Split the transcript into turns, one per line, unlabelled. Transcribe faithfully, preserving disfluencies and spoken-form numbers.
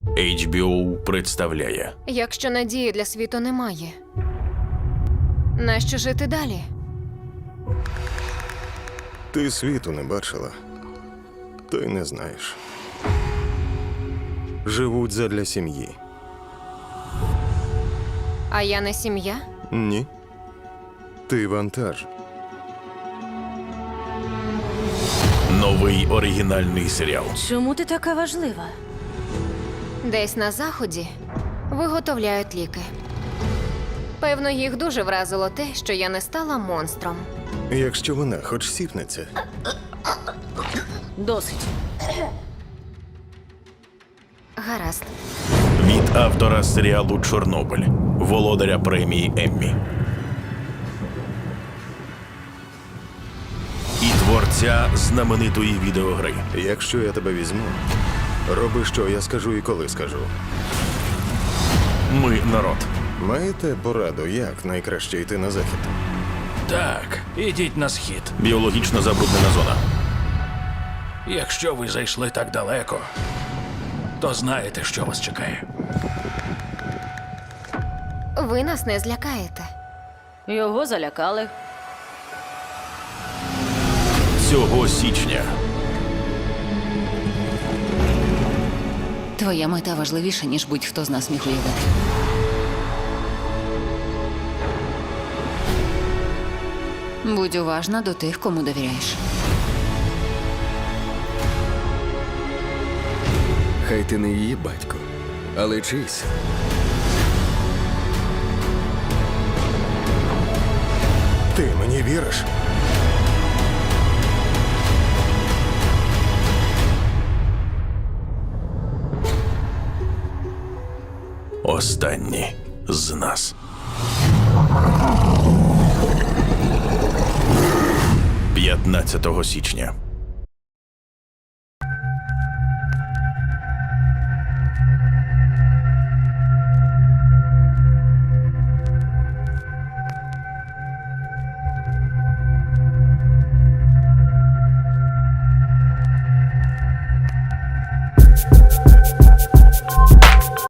ейч бі о представляє
Якщо надії для світу немає, нащо жити далі?
Ти світу не бачила, то й не знаєш. Живуть задля сім'ї.
А я не сім'я?
Ні. Ти вантаж.
новий оригінальний серіал.
Чому ти така важлива?
Десь на заході виготовляють ліки. Певно, їх дуже вразило те, що я не стала монстром.
Якщо вона хоч сіпнеться,
Досить.
Гаразд.
Від автора серіалу «Чорнобиль», володаря премії Еммі. І творця знаменитої відеогри.
якщо я тебе візьму, роби, що я скажу і коли скажу.
Ми народ.
Маєте пораду, як найкраще йти на захід?
Так, ідіть на схід.
Біологічно забруднена зона.
Якщо ви зайшли так далеко, то знаєте, що вас чекає.
Ви нас не злякаєте.
Його залякали.
Цього січня
Твоя мета важливіша, ніж будь-хто з нас міг уявити. Будь уважна до тих, кому довіряєш.
Хай ти не її батько, але чийсь.
Ти мені віриш?
останні з нас. п'ятнадцятого січня.